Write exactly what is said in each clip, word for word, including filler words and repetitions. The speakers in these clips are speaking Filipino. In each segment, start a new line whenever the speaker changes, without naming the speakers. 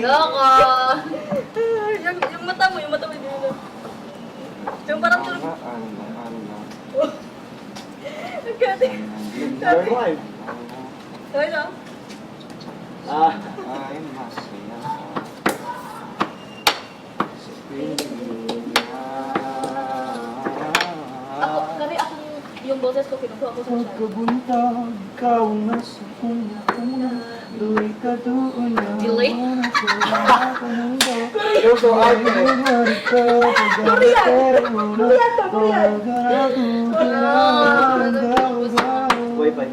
Loko! yung, yung mata mo, yung mata mo. Yung, yung parang tulog.
Ano na, ano na.
Nagkati.
Survive.
Sorry na.
Ah.
Ay, masaya sa piling.
Ako, kami akong, yung boses ko, kinukuha ko sa siya.
Pagkabuntag, ikaw ang nasa kuna-kuna. Duloy ka doon na.
Delay?
Yung so art eh. Wi-Fi.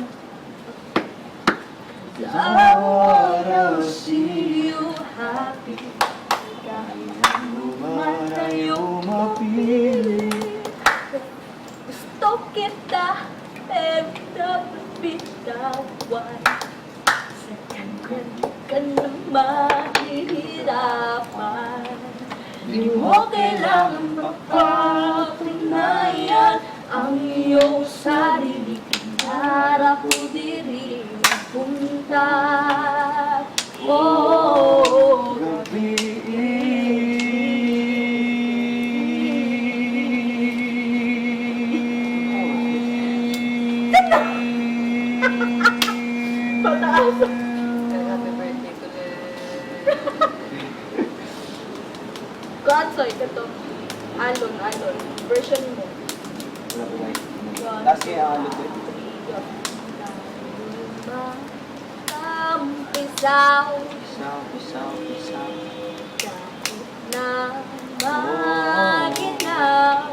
I wanna see you happy. Kahit
Malayo mapili.
gusto kita, pero dapat bitawan. Sa kanya ka na mahihirapan. Di mo kailangan mapapatunayan ang iyong sarili. Harap ko diri punta. Oh,
Gabi
pataas.
Happy birthday ko le.
Gatsoy ka to. Alon, alon. Version mo.
Wala ko like. Tapos kaya ang ano ko.
Kampisaw
Pisaw, pisaw, pisaw.
na maginaw.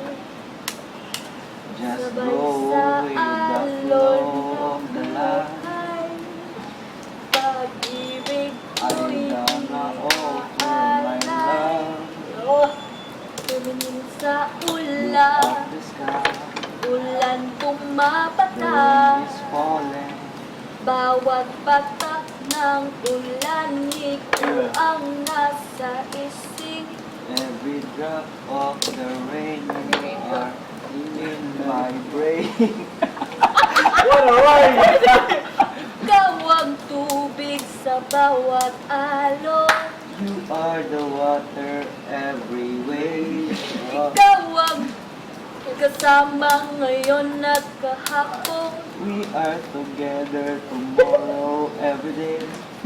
Just
Sabay
go
sa
with the
alon
flow of
ng
the life.
buhay. Pag-ibig
I
ko'y
gonna open my love
Oh, tumingin sa ulan,
of the sky.
ulan
Rain
pumapata.
is falling.
Bawat patak ng ulan, ikaw ang nasa isip.
Every drop of the rain you are in my brain.
What a word!
Ikaw ang tubig sa bawat alon.
You are the water every way.
Ikaw ang kasama ngayon at kahapon.
We are together tomorrow, every day.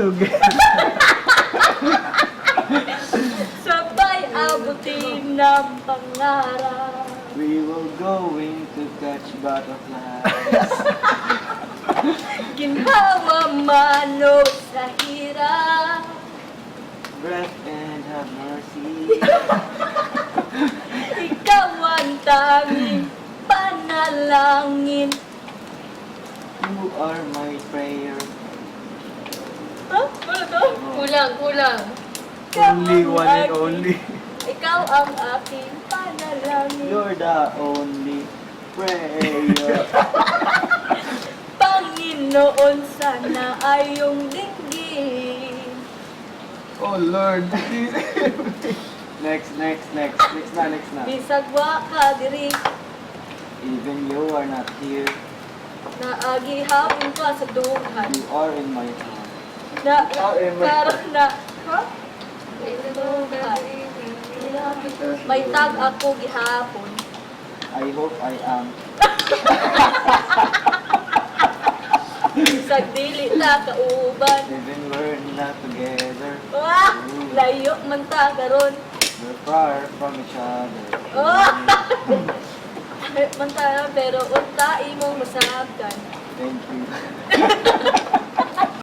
Sabay abutin ng pangarap.
We will going to catch butterflies.
Ginhawa mano sa hirap.
Breath and have mercy.
Ikaw ang tanging panalangin.
You are my prayer.
Ha? Ano to?
Kulang, kulang.
Ikaw
Only
ang
one and
aking-
only.
Ikaw ang aking panalangin.
You're the only prayer.
Panginoon, sana ay iyong dinggin.
Oh Lord.
Next, next, next. Next na, next na.
Bisag wa ka diri,
Even you are not here.
naagihapon ka sa dughan.
You are in my heart.
Na,
Ah, eh, may-
karon na, ha? May tag ako gihapon.
I hope I am.
Bisag dili na kauban.
Even we're not together.
Ah, layo man ta karon.
We're far from each other.
Oh! Man ta pero unta imong masabtan.
Thank you.